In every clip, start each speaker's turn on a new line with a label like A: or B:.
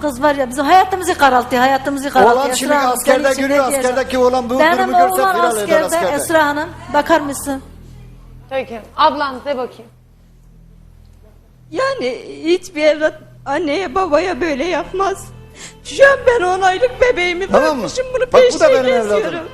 A: kız var ya bizim hayatımızı karaltıyor, hayatımızı karaltıyor.
B: Oğlan şimdi askerde görüyor, askerdeki oğlan bu durumu
A: benim
B: görse
A: oğlan
B: firar eder
A: askerde,
B: askerde.
A: Esra Hanım bakar mısın?
C: Peki. Ablan de bakayım.
D: Yani hiçbir evlat anneye babaya böyle yapmaz. Şu an ben 10 aylık bebeğimi
B: Tamam mı?
D: bırakmışım, bunu
B: Bak, bu da
D: peşine
B: benim evladım.
D: geziyorum.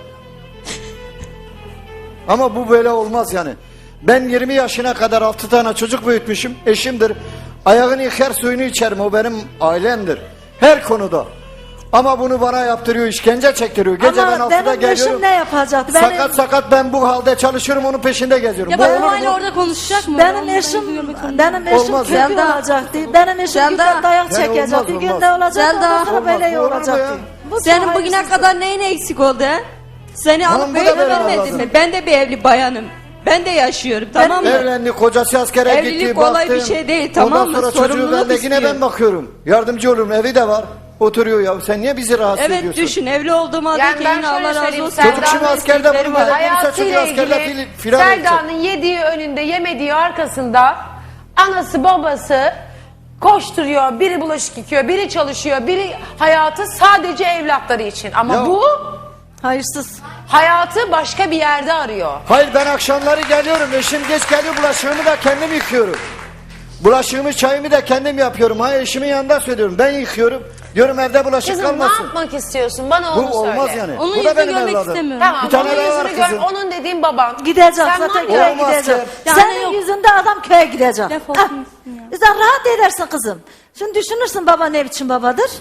B: Ama bu böyle olmaz yani. Ben 20 yaşına kadar 6 tane çocuk büyütmüşüm. Eşimdir. Ayağını yıkar suyunu içerim. O benim ailemdir. Her konuda. Ama bunu bana yaptırıyor, işkence çektiriyor. Gece ben
A: Ama
B: 6'da
A: benim
B: geliyorum.
A: eşim ne yapacaktı?
B: Sakat sakat ben bu halde çalışıyorum, onun peşinde geziyorum.
E: Ya
B: Bu
E: bak
B: olur
E: o
B: mu?
E: hala orada konuşacak mı?
A: Benim
E: Onu
A: eşim,
E: görmek zorunda.
A: benim eşim
B: Olmaz
A: kötü
D: Zelda.
A: olacaktı. Benim eşim
D: Zelda.
A: güzel dayak
B: Yani
A: çekecekti.
B: olmaz,
A: Bir
B: olmaz.
A: günde olacaktı.
D: Zelda.
A: Ondan sonra
B: Olmaz,
A: böyle
B: olur mu
A: olacaktı.
B: ya?
A: Bu
D: Senin
A: çok
D: bugüne
A: hayırsız.
D: kadar neyin eksik oldu he? Seni
B: Tamam,
D: alıp
B: bu da
D: böyle
B: benim
D: vermedin
B: evladım.
D: mi? Ben de bir evli bayanım. Ben de yaşıyorum, tamam mı?
B: Evlendi, kocası askere
D: Evlilik
B: gitti,
D: kolay bir
B: baktım.
D: şey değil, tamam mı?
B: Ondan sonra çocuğu
D: Sorumluluk
B: ben de yine
D: istiyor.
B: ben bakıyorum. Yardımcı olurum, evi de var. Oturuyor ya. Sen niye bizi rahatsız
D: Evet
B: ediyorsun?
D: düşün, evli olduğum halde
C: Yani
D: ki
C: ben
D: yine
C: şöyle
D: Allah razı
C: söyleyeyim,
D: olsun.
C: Selda'nın
B: Çocuk şimdi askerde
D: eksikleri
B: bunu
D: var.
B: böyle gelirse çocuğu
C: Hayatıyla
B: askerde
C: ilgili
B: firar edecek.
C: Selda'nın yediği önünde yemediği arkasında anası babası koşturuyor. Biri bulaşık yıkıyor, biri çalışıyor, biri hayatı sadece evlatları için. Ama
B: Ya-
C: bu
A: Hayırsız.
C: hayatı başka bir yerde arıyor.
B: Hayır ben akşamları geliyorum. Eşim geç geliyor, bulaşığımı da kendim yıkıyorum. Bulaşığımı çayımı da kendim yapıyorum. Hayır eşimin yanında söylüyorum. Ben yıkıyorum. Diyorum evde bulaşık
C: Kızım ne
B: kalmasın.
C: yapmak istiyorsun? Bana
B: Bu
C: onu söyle.
B: olmaz yani.
E: Onun
B: Bu da
E: yüzünü
B: benim
E: görmek
B: evladım.
E: istemiyorum.
C: Tamam,
B: Bir tane
C: onun
B: daha var
C: yüzünü gör.
B: kızım.
C: Onun dediğin baban.
A: Gidecek
C: Sen
A: zaten
C: var
A: köye
C: ya,
B: Olmaz
A: gidecek.
B: ki.
E: Yani
A: Senin
E: yok.
A: yüzünden adam köye gidecek.
E: Defol
A: Ah,
E: gitsin ya.
A: Sen rahat edersin kızım. Şimdi düşünürsün baba ne biçim babadır.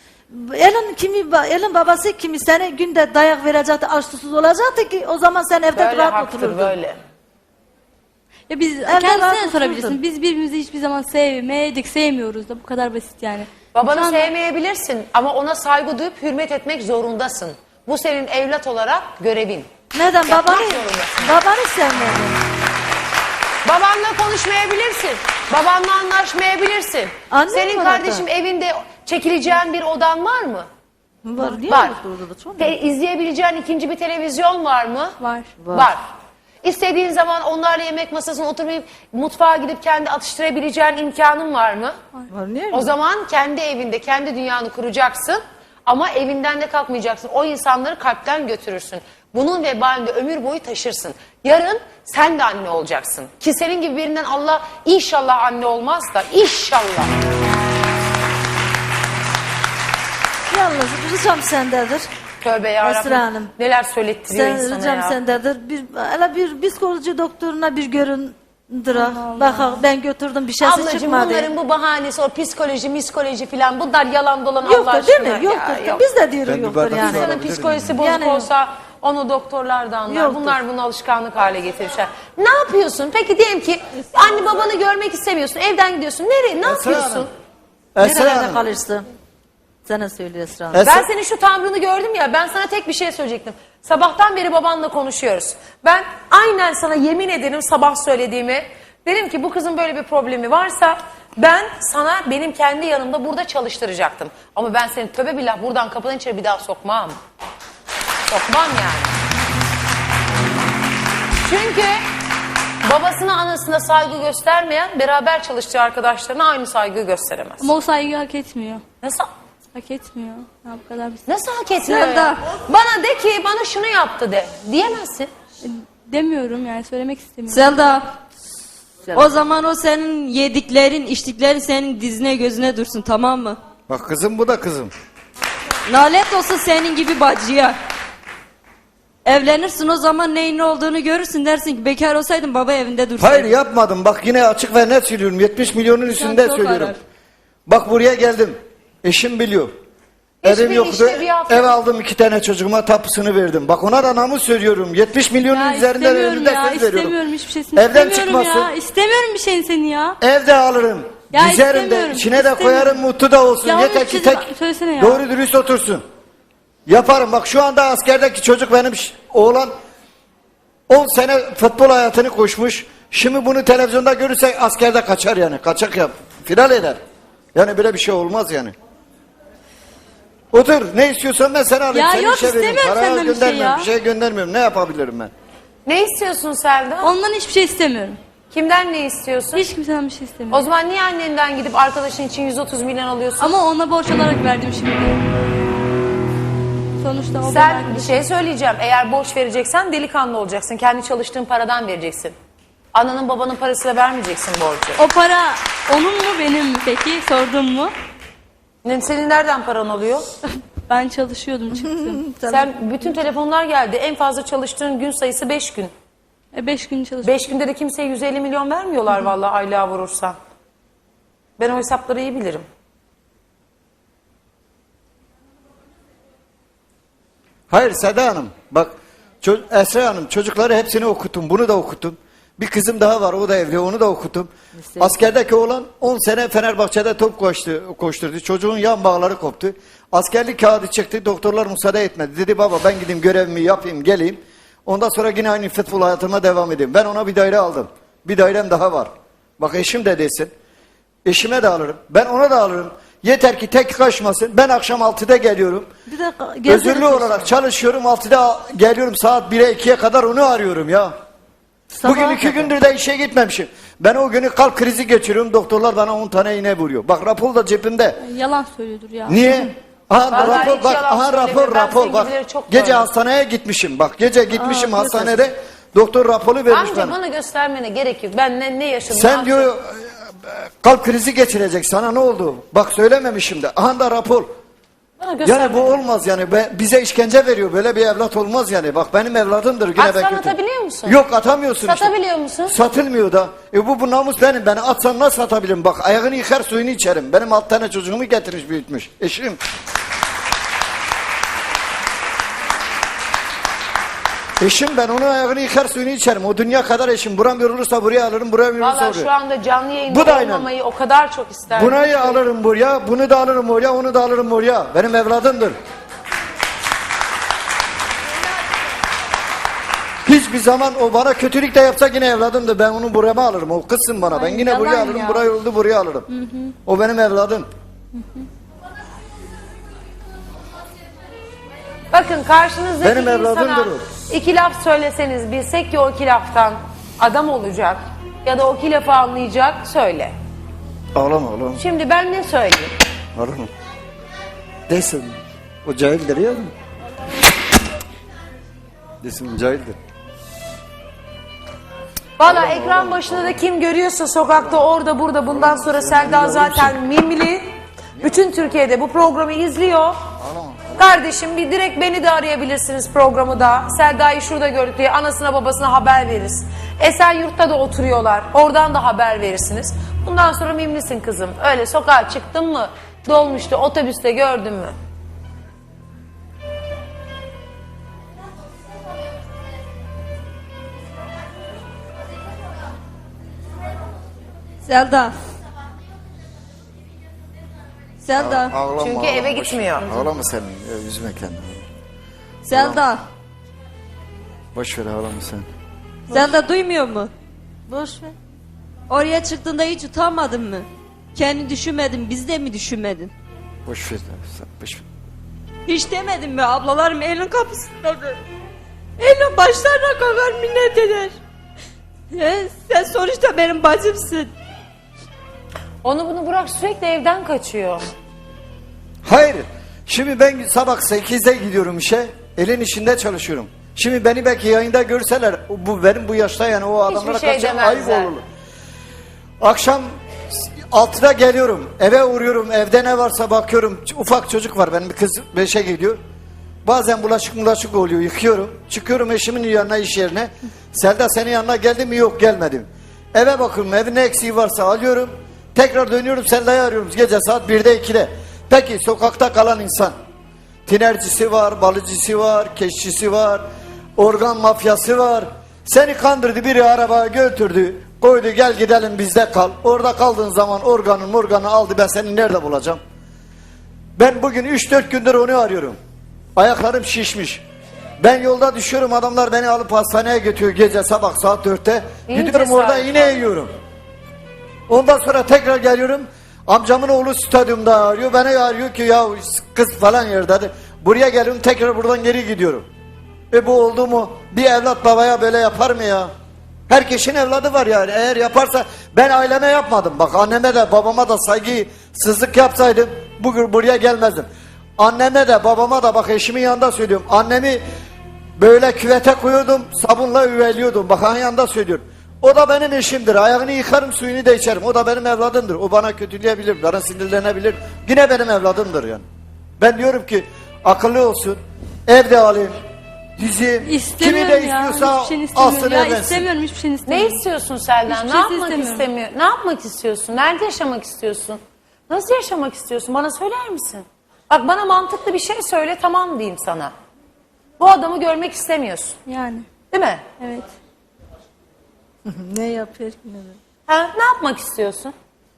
A: Elin babası kimi seni günde dayak verecekti, aç susuz olacaktı ki o zaman sen evde
C: Böyle
A: rahat
C: haktır
A: otururdun.
C: böyle.
E: Ya biz
A: rahat
E: kendisine
A: oturdum.
E: sorabilirsin. Biz birbirimizi hiçbir zaman sevmedik, sevmiyoruz da bu kadar basit yani.
C: Babanı
E: Şu anda-
C: sevmeyebilirsin ama ona saygı duyup hürmet etmek zorundasın. Bu senin evlat olarak görevin.
A: Neden
C: Yapmak
A: babanı
C: zorundasın.
A: babanı sevmedin?
C: Babanla konuşmayabilirsin. Babanla anlaşmayabilirsin.
A: Annem
C: Senin
A: var
C: kardeşim evinde çekileceğin bir odan var mı?
A: Var. Niye
C: Var.
A: orada çok?
C: İzleyebileceğin ikinci bir televizyon var mı?
E: Var.
C: Var. İstediğin zaman onlarla yemek masasına oturmayıp mutfağa gidip kendi atıştırabileceğin imkanın var mı?
A: Var. Niye?
C: O zaman kendi evinde, kendi dünyanı kuracaksın ama evinden de kalkmayacaksın. O insanları kalpten götürürsün. Bunun vebalini de ömür boyu taşırsın. Yarın sen de anne olacaksın. Ki senin gibi birinden Allah inşallah anne olmaz da inşallah.
A: Yalnız ricam sendedir.
C: Tövbe yarabbim.
A: Esra Hanım.
C: Neler söylettiriyor
A: Sen
C: insana
A: ricam
C: ya.
A: sendedir. Hele bir psikoloji doktoruna bir göründür. Bak ben götürdüm bir şeysi
C: Ablacığım
A: çıkmadı.
C: bunların bu bahanesi o psikoloji filan bunlar yalan dolan Allah
A: Yoktur değil
C: aşkına.
A: mi? Yoktur.
C: Ya, yok.
A: Biz de diyoruz
B: Ben bir
A: yoktur
B: bardak
A: yani.
B: su
C: İnsanın
B: alabilir
C: psikolojisi
B: miyim?
C: bozuk
A: Yani-
C: olsa onu doktorlar da anlar.
A: Yoktur.
C: Bunlar bunu alışkanlık hale getirmişler. Ne yapıyorsun? Peki diyelim ki anne babanı görmek istemiyorsun. Evden gidiyorsun. Nereye? Ne yapıyorsun?
B: Hanım. Esra
A: Nerelerde
B: Hanım.
A: kalırsın? Sana söylüyor Esra Hanım.
B: Esra-
C: Ben senin şu tavrını gördüm ya, ben sana tek bir şey söyleyecektim. Sabahtan beri babanla konuşuyoruz. Ben aynen sana yemin ederim sabah söylediğimi, dedim ki bu kızın böyle bir problemi varsa ben sana benim kendi yanımda burada çalıştıracaktım. Ama ben seni tövbe billah buradan kapıdan içeri bir daha sokmam. Sokmam yani. Çünkü babasına anasına saygı göstermeyen beraber çalıştığı arkadaşlarına aynı saygıyı gösteremez.
E: Ama o saygıyı hak etmiyor.
C: Nasıl?
E: Hak etmiyor. Ya bu kadar basit.
C: Nasıl hak etmiyor
D: Selda.
C: ya? Bana de ki bana şunu yaptı de. Diyemezsin.
E: Demiyorum yani söylemek istemiyorum.
D: Selda, o zaman o senin yediklerin, içtiklerin senin dizine gözüne dursun, tamam mı?
B: Bak kızım bu da kızım.
D: Nalet olsun senin gibi bacıya. Evlenirsin o zaman neyin ne olduğunu görürsün, dersin ki bekar olsaydın baba evinde dursaydın.
B: Hayır yapmadım. Bak yine açık ve net söylüyorum. 70 milyonun üstünde
D: çok
B: söylüyorum.
D: arar.
B: Bak buraya geldim. Eşim biliyor.
C: Eşimin
B: Evim yoktu.
C: işte bir hafta-
B: Ev aldım 2 tane çocuğuma tapısını verdim. Bak ona da namus söylüyorum. 70 milyonun
E: Ya
B: üzerinde
E: istemiyorum
B: önünde
E: ya,
B: söz veriyorum.
E: istemiyorum hiçbir şeysini.
B: Evden
E: istemiyorum
B: çıkmasın.
E: ya. İstemiyorum bir şeyin seni ya.
B: Evde alırım.
E: Ya
B: Dizerim de
E: istemiyorum,
B: içine de
E: istemiyorum.
B: koyarım, mutlu da olsun.
E: Ya
B: Yeter
E: onu
B: ki
E: siz-
B: tek
E: söylesene ya.
B: doğru dürüst otursun. Yaparım. Bak şu anda askerdeki çocuk benim oğlan 10 sene futbol hayatını koşmuş. Şimdi bunu televizyonda görürse askerde kaçar yani. Kaçak yap. Final eder. Yani böyle bir şey olmaz yani. Otur. Ne istiyorsan ben sana alayım.
E: Ya
B: Seni
E: yok,
B: işe vereyim.
E: istemiyorum
B: Para
E: senden bir şey
B: göndermiyorum.
E: ya.
B: Bir şey göndermiyorum. Ne yapabilirim ben?
C: Ne istiyorsun Selda?
E: Ondan hiçbir şey istemiyorum.
C: Kimden ne istiyorsun?
E: Hiç kimseden bir şey istemiyorum.
C: O zaman niye annenden gidip arkadaşın için 130 milyon alıyorsun?
E: Ama ona borç olarak verdim şimdi. Sonuçta o benim
C: Sen bir
E: arkadaşım.
C: şey söyleyeceğim. Eğer borç vereceksen delikanlı olacaksın. Kendi çalıştığın paradan vereceksin. Ananın babanın parasıyla vermeyeceksin borcu.
E: O para onun mu benim mi peki? Sordun mu?
C: Senin nereden paran oluyor?
E: Ben çalışıyordum çıktım.
C: Sen bütün telefonlar geldi. En fazla çalıştığın gün sayısı 5 gün.
E: 5 gün çalıştım.
C: 5 günde de kimseye 150 milyon vermiyorlar vallahi aylığa vurursan. Ben o hesapları iyi bilirim.
B: Hayır Seda Hanım bak Esra Hanım çocukları hepsini okuttum, bunu da okuttum. Bir kızım daha var, o da evli, onu da okuttum. Askerdeki oğlan 10 sene Fenerbahçe'de top koşturdu. Çocuğun yan bağları koptu. Askerlik kağıdı çıktı, doktorlar müsaade etmedi. Dedi baba ben gideyim görevimi yapayım geleyim. Ondan sonra yine aynı futbol hayatıma devam edeyim. Ben ona bir daire aldım. Bir dairem daha var. Bak eşim de desin. Eşime de alırım. Ben ona da alırım. Yeter ki tek kaçmasın. Ben akşam 6'da geliyorum.
A: Bir dakika.
B: Özürlü olarak çalışıyorum. 6'da geliyorum, saat 1'e 2'ye kadar onu arıyorum ya. Bugün 2 gündür de işe gitmemişim. Ben o günü kalp krizi geçiriyorum. Doktorlar bana 10 tane iğne vuruyor. Bak rapor da cebimde.
E: Yalan söylüyordur ya.
B: Niye? Aha
C: Vallahi
B: rapor
C: hiç
B: bak.
C: yalan
B: Aha
C: söylemiyor. Ben
B: rapor bak.
C: sevgilileri çok
B: Gece
C: gördüm.
B: hastaneye gitmişim. Bak gece gitmişim hastanede. Doktor raporu vermiş
C: Amca
B: bana.
C: bana göstermene gerek yok. Ben ne yaşadım?
B: Sen diyor kalp krizi geçirecek. Sana ne oldu? Bak söylememişim de. Aha da rapor.
C: Bana göstermene.
B: Yani bu olmaz yani. Bize işkence veriyor. Böyle bir evlat olmaz yani. Bak benim evladımdır. Yine
C: Atsan
B: ben kötü.
C: atabiliyor musun?
B: Yok atamıyorsun işte.
C: Satabiliyor musun?
B: Satılmıyor da. Bu namus benim. Beni atsan nasıl satabilirim? Bak ayağını yıkar suyunu içerim. Benim 6 tane çocuğumu getirmiş büyütmüş. Eşim. Eşim ben onun ayağını yıkar suyunu içerim. O dünya kadar eşim. Buram yorulursa buraya alırım. Buram yorulursa
C: Valla
B: oraya.
C: şu anda canlı yayında
B: Bu da aynen.
C: olmamayı o kadar çok isterdim.
B: Bunayı alırım buraya. Bunu da alırım oraya. Onu da alırım oraya. Benim evladımdır. Hiçbir zaman o bana kötülük de yapsa yine evladımdır. Ben onu buraya alırım. O kızsın bana. Ben
E: Ay,
B: yine buraya
E: yalan
B: alırım.
E: ya.
B: Buraya oldu buraya alırım. O benim evladım.
C: Bakın karşınızdaki
B: Benim evladımdır
C: insana
B: o.
C: 2 laf söyleseniz bilsek ki o 2 laftan adam olacak ya da o 2 lafı anlayacak söyle.
B: Ağlama ağlama.
C: Şimdi ben ne söyleyeyim?
B: Ağlama. Desin. O cahildir ya. Desin cahildir.
C: Valla ekran başında da kim görüyorsa sokakta orada burada bundan sonra Selda zaten mimli. Bütün Türkiye'de bu programı izliyor. Kardeşim bir direkt beni de arayabilirsiniz programı da. Selda'yı şurada gördük diye anasına babasına haber veririz. Esenyurt'ta da oturuyorlar. Oradan da haber verirsiniz. Bundan sonra mimlisin kızım. Öyle sokağa çıktın mı? Dolmuştu, otobüste gördün mü?
D: Selda. Selda.
B: Ağlama,
C: Çünkü
B: ağlama,
C: eve
B: boş
C: gitmiyor.
B: ver. Ağlama sen. Ya, üzme kendini.
D: Selda.
B: Boş ver ağlama sen.
D: Selda duymuyor mu?
A: Boş ver.
D: Oraya çıktığında hiç utanmadın mı? Kendi düşünmedin, biz de mi düşünmedin?
B: Boş ver. Sen, boş ver.
D: Hiç demedin mi? Ablalarım elin kapısındadır. Elin başlarına kalkar minnet eder. Sen sonuçta benim bacımsın.
C: Onu bunu bırak sürekli evden kaçıyor.
B: Hayır. Şimdi ben sabah 8'de gidiyorum işe. Elin işinde çalışıyorum. Şimdi beni belki yayında görseler benim bu yaşta yani o adamlara
C: şey
B: karşı ayıp
C: demezler.
B: olur. Akşam 6'da geliyorum. Eve uğruyorum. Evde ne varsa bakıyorum. Ufak çocuk var. Benim bir kız 5'e gidiyor. Bazen bulaşık oluyor. Yıkıyorum. Çıkıyorum eşimin yanına iş yerine. Selda senin yanına geldim mi? Yok gelmedim. Eve bakıyorum. Evin ne eksiği varsa alıyorum. Tekrar dönüyorum Selda'yı arıyorum. Gece saat 1'de 2'de. Peki sokakta kalan insan. Tinercisi var, balıcısı var, keşçisi var, organ mafyası var. Seni kandırdı, biri arabaya götürdü, koydu gel gidelim bizde kal. Orada kaldığın zaman organı aldı, ben seni nerede bulacağım? Ben bugün 3-4 gündür onu arıyorum. Ayaklarım şişmiş. Ben yolda düşüyorum, adamlar beni alıp hastaneye götürüyor gece sabah saat 4'te.
C: İyi
B: Gidiyorum orada
C: cesaret
B: yine
C: var.
B: yiyorum. Ondan sonra tekrar geliyorum. Amcamın oğlu stadyumda arıyor. Beni arıyor ki ya kız falan yerde. Buraya geliyorum tekrar buradan geri gidiyorum. Bu oldu mu? Bir evlat babaya böyle yapar mı ya? Herkesin evladı var yani. Eğer yaparsa ben aileme yapmadım. Bak anneme de babama da saygısızlık yapsaydım bugün buraya gelmezdim. Anneme de babama da bak eşimin yanında söylüyorum. Annemi böyle küvete koyuyordum, sabunla üveliyordum. Bak onun yanında söylüyorum. O da benim eşimdir. Ayağını yıkarım, suyunu da içerim. O da benim evladımdır. O bana kötüleyebilir, bana sinirlenebilir. Yine benim evladımdır yani. Ben diyorum ki akıllı olsun, evde alayım, dizi, kimi
E: İstemiyorum
B: de
E: ya.
B: istiyorsa
E: Hiçbir şeyini istemiyorum.
B: alsın
E: Ya
B: evlensin.
E: istemiyorum, hiçbir şeyini
C: Ne
E: istemiyorum.
C: istiyorsun Selden?
E: Hiçbir
C: Ne
E: şey
C: yapmak
E: istemiyorum.
C: istemiyor? Ne yapmak istiyorsun? Nerede yaşamak istiyorsun? Nasıl yaşamak istiyorsun? Bana söyler misin? Bak bana mantıklı bir şey söyle, tamam diyeyim sana. Bu adamı görmek istemiyorsun.
E: Yani
C: Değil mi?
E: evet.
A: Ne yapıyor ki ne?
C: Ha, ne yapmak istiyorsun?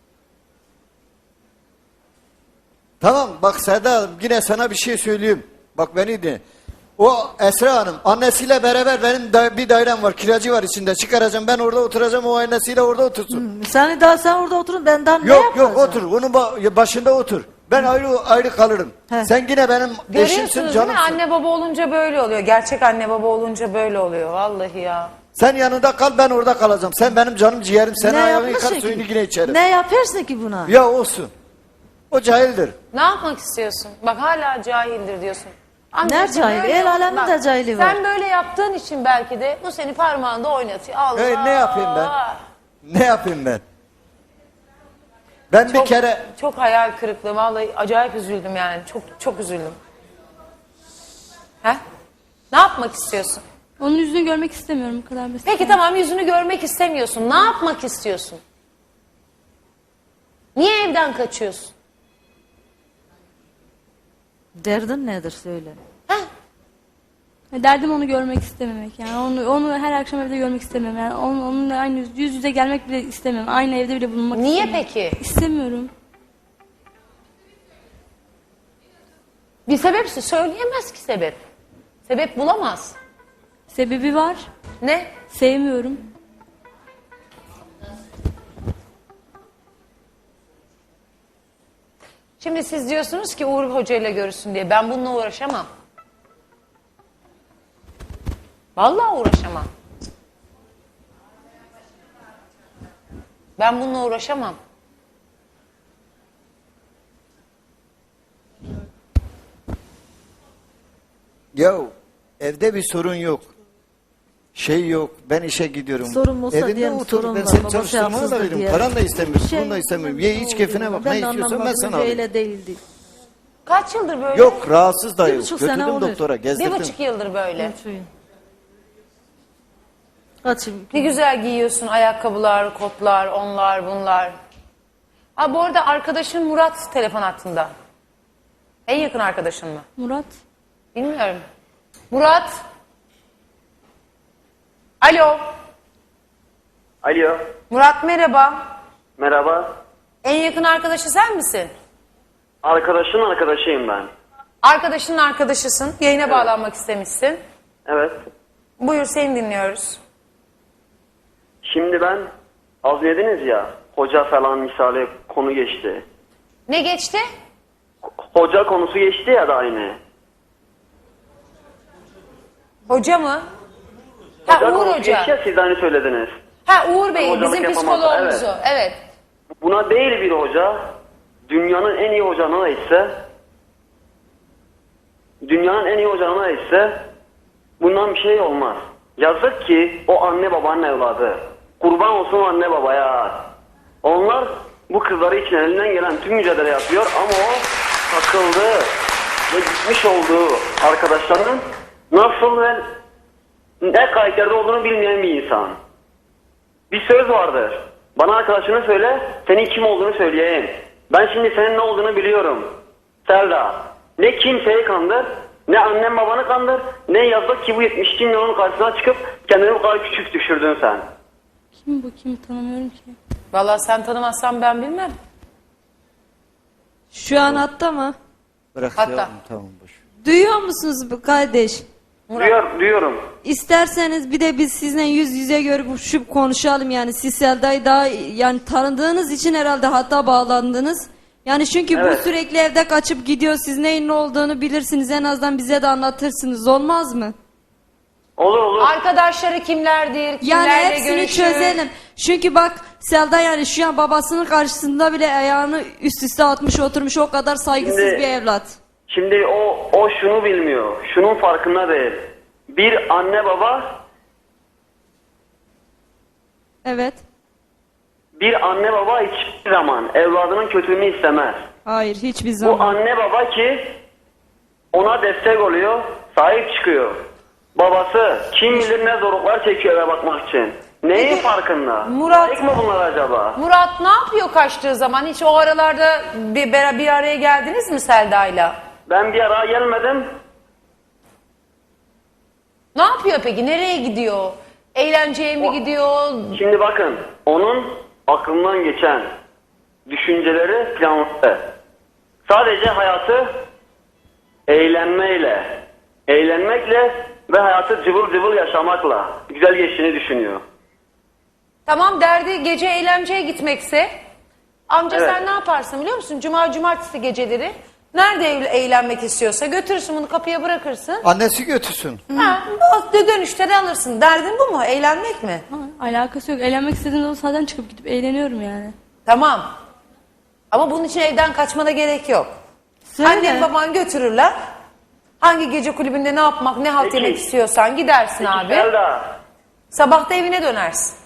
B: Tamam bak Seda Hanım yine sana bir şey söyleyeyim. Bak beni dinle. O Esra Hanım annesiyle beraber benim bir dairem var, kiracı var içinde, çıkaracağım ben orada oturacağım, o annesiyle orada otursun.
A: Sen orada oturun, ben daha ne
B: Yok
A: yapacağım?
B: otur, onun başında otur. Ben ayrı kalırım.
A: He.
B: Sen yine benim eşimsin,
C: Görüyorsunuz değil mi?
B: canımsın.
C: Anne baba olunca böyle oluyor. Gerçek anne baba olunca böyle oluyor. Vallahi ya.
B: Sen yanında kal, ben orada kalacağım. Sen benim canım ciğerim, sen
A: Ne
B: ayağını
A: yapmışsın
B: yıkar,
A: ki?
B: suyunu yine içerim.
A: Ne yaparsın ki buna?
B: Ya olsun. O cahildir.
C: Ne yapmak istiyorsun? Bak hala cahildir diyorsun.
A: Ne cahil?
C: böyle
A: El alemin
C: bak,
A: de cahili var.
C: Sen böyle yaptığın için belki de bu seni parmağında oynatıyor. Allah.
B: Ne yapayım ben? Ne yapayım ben? Ben bir kere
C: Çok hayal kırıklığı. Vallahi acayip üzüldüm yani. Çok üzüldüm. He? Ne yapmak istiyorsun?
E: Onun yüzünü görmek istemiyorum, bu kadar basit.
C: Peki tamam, yüzünü görmek istemiyorsun. Ne yapmak istiyorsun? Niye evden kaçıyorsun?
A: Derdin nedir söyle.
C: Heh?
E: Derdim onu görmek istememek yani. Onu her akşam evde görmek istemiyorum. Yani onunla aynı yüz yüze gelmek bile istemiyorum. Aynı evde bile bulunmak
C: Niye
E: istemiyorum.
C: peki?
E: İstemiyorum.
C: Bir sebep söyleyemez ki sebep. Sebep bulamaz.
E: Sebebi var.
C: Ne?
E: Sevmiyorum.
C: Şimdi siz diyorsunuz ki Uğur Hoca ile görüşsün diye. Ben bununla uğraşamam. Vallahi uğraşamam. Ben bununla uğraşamam.
B: ya evde bir sorun yok. Şey yok. Ben işe gidiyorum.
A: Sorun olsa
B: Evinde
A: diyelim,
B: otur.
A: sorun
B: Ben
A: var,
B: seni
A: baba,
B: çalıştırmana da
A: şartsızdır
B: veririm.
A: diye.
B: Paran da istemiyorum.
A: Şey,
B: Bunu da istemiyorum. Ye iç keyfine bak. Ne istiyorsan ben sana alayım.
A: Öyle değildi.
C: Kaç yıldır böyle?
B: Yok rahatsız da
A: Bir
B: yok.
A: buçuk sene
B: Götürdüm
A: olur.
B: doktora gezdirdim.
C: 1,5 yıldır böyle.
A: Kaçayım.
C: Ne güzel giyiyorsun ayakkabılar, kotlar, onlar, bunlar. Ha bu arada arkadaşın Murat telefon hattında. En yakın arkadaşın mı?
E: Murat.
C: Bilmiyorum. Murat. Alo.
F: Alo,
C: Murat merhaba.
F: merhaba.
C: En yakın arkadaşı sen misin?
F: Arkadaşın arkadaşıyım ben.
C: Arkadaşının arkadaşısın. Yayına bağlanmak istemişsin.
F: Evet.
C: Buyur seni dinliyoruz.
F: Şimdi ben az dediniz ya, hoca falan misali konu geçti.
C: Ne geçti?
F: Hoca konusu geçti ya da aynı.
C: Hoca mı? Ha
F: Hoca
C: Uğur
F: konusu
C: Hoca.
F: geçti ya, siz de hani söylediniz.
C: Ha Uğur Bey
F: Hocalık
C: bizim
F: yapamaz,
C: psikoloğumuzu.
F: evet.
C: Evet.
F: Buna değil bir hoca, dünyanın en iyi hocanına ise, bundan bir şey olmaz. Yazık ki o anne babanın evladı. Kurban olsun o anne babaya. Onlar bu kızları için elinden gelen tüm mücadele yapıyor ama o takıldı ve gitmiş olduğu arkadaşlarının nasıl ve ne karakterde olduğunu bilmeyen bir insan. Bir söz vardır. Bana arkadaşını söyle, senin kim olduğunu söyleyeyim. Ben şimdi senin ne olduğunu biliyorum. Selda, ne kimseyi kandır, ne annem babanı kandır, ne yazık ki bu 72 milyonun karşısına çıkıp kendini bu kadar küçük düşürdün sen.
E: Kim bu? Kim? Tanımıyorum ki.
C: Vallahi sen tanımazsan ben bilmem.
D: Şu an hatta mı?
B: Bırak
C: Hatta.
B: yavrum, tamam boş.
D: Duyuyor musunuz bu kardeş?
F: Duyuyorum.
D: İsterseniz bir de biz sizinle yüz yüze görüp konuşalım yani. Siz Selda'yı daha yani tanıdığınız için herhalde hatta bağlandınız. Yani çünkü bu
F: Evet.
D: sürekli evde kaçıp gidiyor. Siz neyin ne olduğunu bilirsiniz. En azından bize de anlatırsınız. Olmaz mı?
F: Olur olur.
C: Arkadaşları kimlerdir?
D: Yani
C: Kimlerle
D: hepsini
C: görüşür?
D: çözelim. Çünkü bak Selda yani şu an babasının karşısında bile ayağını üst üste atmış oturmuş, o kadar saygısız
F: Şimdi-
D: bir evlat.
F: Şimdi o şunu bilmiyor. Şunun farkında değil. Bir anne baba hiçbir zaman evladının kötülüğünü istemez.
D: Hayır, hiçbir
F: Bu
D: zaman.
F: anne baba ki ona destek oluyor, sahip çıkıyor. Babası kim bilir ne zorluklar çekiyor eve bakmak için. Neyin farkında?
C: Murat-
F: Layık mı bunlar acaba?
C: Murat ne yapıyor kaçtığı zaman? Hiç o aralarda bir araya geldiniz mi Selda'yla?
F: Ben bir ara gelmedim.
C: Ne yapıyor peki? Nereye gidiyor? Eğlenceye mi gidiyor?
F: Şimdi bakın, onun aklından geçen düşünceleri planlı. Sadece hayatı eğlenmekle ve hayatı cıvıl cıvıl yaşamakla güzel geçtiğini düşünüyor.
C: Tamam, derdi gece eğlenceye gitmekse amca
F: Evet.
C: sen ne yaparsın biliyor musun? Cumartesi geceleri nerede eğlenmek istiyorsa götürürsün, bunu kapıya bırakırsın.
B: Annesi götürsün.
C: Ha, dönüşte de alırsın. Derdin bu mu? Eğlenmek mi?
E: Ha, alakası yok. Eğlenmek istediğimde o zaten çıkıp gidip eğleniyorum yani.
C: Tamam. Ama bunun için evden kaçmana gerek yok.
A: Söyle.
C: Annen baban götürürler. Hangi gece kulübünde ne yapmak, ne halt
F: Peki.
C: yemek istiyorsan gidersin abi.
F: Selda,
C: Sabah da evine dönersin.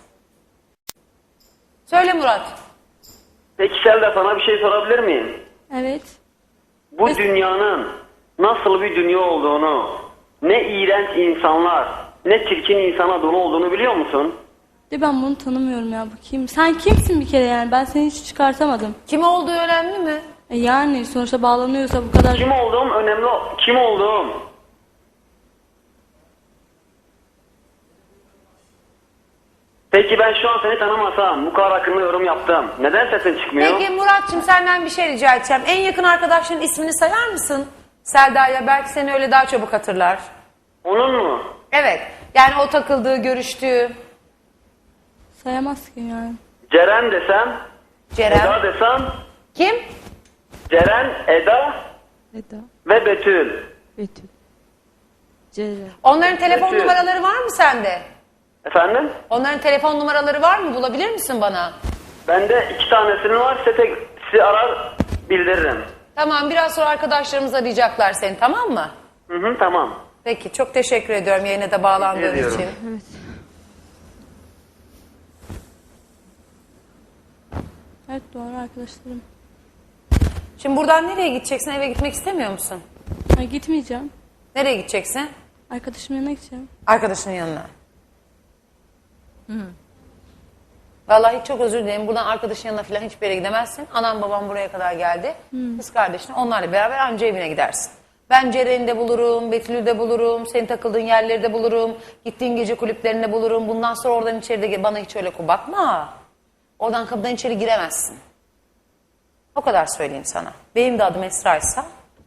C: Söyle Murat.
F: peki Selda, sana bir şey sorabilir miyim?
E: Evet.
F: Bu dünyanın nasıl bir dünya olduğunu, ne iğrenç insanlar, ne çirkin insana dolu olduğunu biliyor musun?
E: De ben bunu tanımıyorum ya. Bu kim? Sen kimsin bir kere yani? Ben seni hiç çıkartamadım.
C: Kim olduğu önemli mi?
E: Yani sonuçta bağlanıyorsa bu kadar...
F: Kim olduğum önemli, kim olduğum. Peki ben şu an seni tanımasam, bu kadar hakkında yorum yaptım. Neden sesin çıkmıyor?
C: Peki Murat'cığım senden bir şey rica edeceğim. En yakın arkadaşların ismini sayar mısın? Selda'ya, belki seni öyle daha çabuk hatırlar.
F: Onun mu?
C: Evet. Yani o takıldığı, görüştüğü.
E: Sayamaz ki yani.
F: Ceren desem,
C: Ceren.
F: Eda desem,
C: Kim?
F: Ceren, Eda ve Betül.
C: Onların telefon
F: Betül.
C: numaraları var mı sende?
F: Efendim?
C: Onların telefon numaraları var mı? Bulabilir misin bana?
F: Bende 2 tanesinin var, sizi arar bildiririm.
C: Tamam, biraz sonra arkadaşlarımız arayacaklar seni, tamam mı?
F: Hı, tamam.
C: Peki, çok teşekkür ediyorum yayına da bağlandığın
F: Teşekkür ediyorum.
C: için.
E: Evet, doğru arkadaşlarım.
C: Şimdi buradan nereye gideceksin? Eve gitmek istemiyor musun?
E: Ha, gitmeyeceğim.
C: Nereye gideceksin?
E: Arkadaşımın yanına gideceğim.
C: Arkadaşının yanına. Vallahi çok özür dilerim. Buradan arkadaşın yanına falan hiçbir yere gidemezsin. Anam babam buraya kadar geldi. Kız kardeşin, onlarla beraber anca evine gidersin. Ben Ceren'i de bulurum, Betül'ü de bulurum, senin takıldığın yerleri de bulurum, gittiğin gece kulüplerinde bulurum. Bundan sonra oradan içeri de bana hiç öyle bakma. Oradan kapıdan içeri giremezsin. O kadar söyleyeyim sana. Benim de adım Esra'ysa.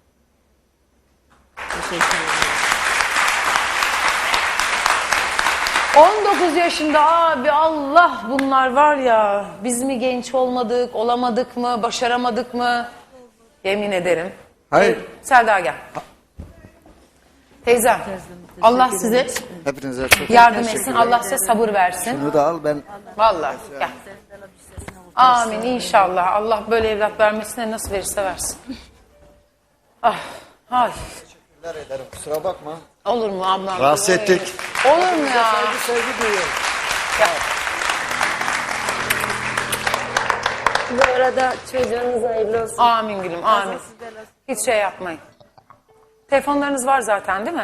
C: 19 yaşında abi, Allah, bunlar var ya, biz mi genç olmadık, olamadık mı, başaramadık mı? Yemin ederim.
B: Hayır.
C: Selda gel. Teyzem, Allah size
B: Hepinize çok
C: yardım
B: teşekkür
C: etsin,
B: ederim.
C: Allah size sabır versin.
B: Bunu da al, ben
C: Vallahi gel. Amin inşallah. Allah böyle evlat vermesine nasıl verirse versin. Ah, ay.
B: teşekkürler ederim. Kusura bakma.
C: Olur mu ablam?
B: Rahatsız ettik.
C: Olur mu ya?
B: Saygı duyuyorum.
D: Bu arada çocuğunuz hayırlı olsun.
C: Amin gülüm, amin. Hiç şey yapmayın. Telefonlarınız var zaten değil mi?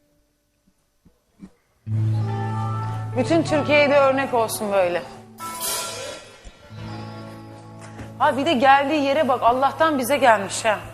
C: Bütün Türkiye'ye de örnek olsun böyle. Ha bir de geldiği yere bak, Allah'tan bize gelmiş ha.